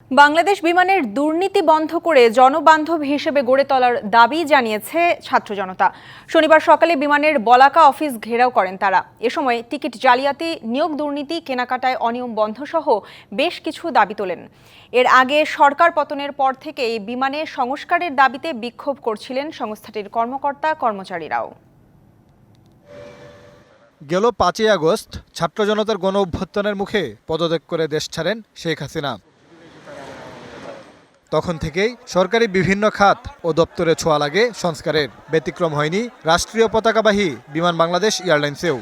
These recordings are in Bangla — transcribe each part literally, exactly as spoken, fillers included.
বাংলাদেশ বিমানের দুর্নীতি বন্ধ করে জনবান্ধব হিসেবে গড়ে তোলার দাবি জানিয়েছে ছাত্র জনতা। শনিবার সকালে বিমানের বলাকা অফিস ঘেরাও করেন তারা। এ সময় টিকিট জালিয়াতি, নিয়োগ দুর্নীতি, কেনাকাটায় অনিয়ম বন্ধ সহ বেশ কিছু দাবি তোলেন। এর আগে সরকার পতনের পর থেকেই বিমানে সংস্কারের দাবিতে বিক্ষোভ করছিলেন সংস্থাটির কর্মকর্তা কর্মচারীরাও। গেল পাঁচই আগস্ট ছাত্র জনতার গণ অভ্যুত্থানের মুখে পদত্যাগ করে দেশ ছাড়েন শেখ হাসিনা। তখন থেকেই সরকারি বিভিন্ন খাত ও দপ্তরে ছোঁয়া লাগে সংস্কারের। ব্যতিক্রম হয়নি রাষ্ট্রীয় পতাকাবাহী বিমান বাংলাদেশ এয়ারলাইন্সেও।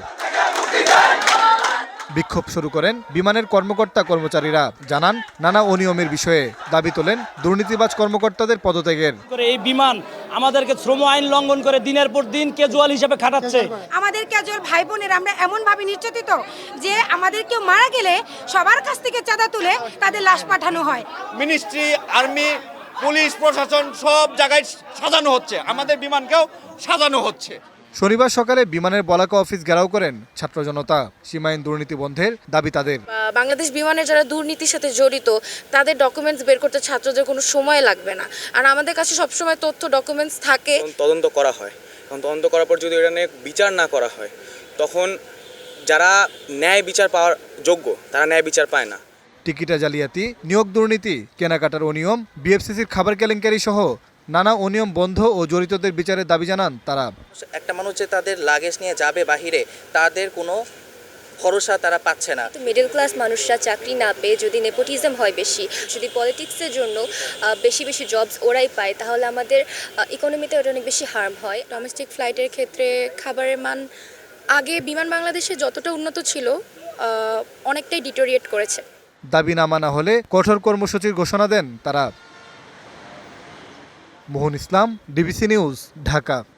বিক্ষোভ শুরু করেন বিমানের কর্মকর্তা কর্মচারীরা। জানান নানা অনিয়মের বিষয়ে, দাবি তোলেন দুর্নীতিবাজ কর্মকর্তাদের পদত্যাগের। এই বিমান আমাদেরকে শ্রম আইন লঙ্ঘন করে দিনের পর দিন ক্যাজুয়াল হিসেবে খাটাচ্ছে। আমাদের ক্যাজুয়াল ভাই বোনের আমরা এমন ভাবে নির্যাতিত যে আমাদের কেউ মারা গেলে সবার কাছ থেকে চাঁদা তুলে তাদের লাশ পাঠানো হয়। মিনিস্ট্রি, আর্মি, পুলিশ প্রশাসন সব জায়গায় সাজানো হচ্ছে, আমাদের বিমানকেও সাজানো হচ্ছে। শনিবার সকালে বিমানের বলাকা অফিস ঘেরাও করেন ছাত্র জনতা। সীমাহীন দুর্নীতি বন্ধের দাবি তাদের। বাংলাদেশ বিমানের যারা দুর্নীতির সাথে জড়িত তাদের ডকুমেন্টস বের করতে ছাত্রদের কোনো সময় লাগবে না, আর আমাদের কাছে সবসময় তথ্য ডকুমেন্টস থাকে। তদন্ত করা হয়, তখন তদন্ত করার পর যদি এটা নিয়ে বিচার না করা হয় তখন যারা ন্যায় বিচার পাওয়ার যোগ্য তারা ন্যায় বিচার পায় না। টিকিটা জালিয়াতি, নিয়োগ দুর্নীতি, কেনাকাটার অনিয়ম, বিএফসিসির খাবার কেলেঙ্কারি সহ নানা অনিয়ম বন্ধ ও জড়িতদের বিচারের দাবি জানান তারা। একটা মানুষ যে তাদের লাগেজ নিয়ে যাবে বাহিরে, তাদের কোনো ভরসা তারা পাচ্ছে না। মিডল ক্লাস মানুষরা চাকরি না পেয়ে যদি নেপোটিজম হয় বেশি, যদি পলিটিক্সের জন্য বেশি বেশি জবস ওরাই পায়, তাহলে আমাদের ইকোনমিতে ওটা অনেক বেশি হার্ম হয়। ডোমেস্টিক ফ্লাইটের ক্ষেত্রে খাবারের মান আগে বিমান বাংলাদেশে যতটা উন্নত ছিল অনেকটাই ডিটোরিয়েট করেছে। দাবি না মানা হলে কঠোর কর্মসূচির ঘোষণা দেন তারা। Mohan Islam, DBC news, Dhaka.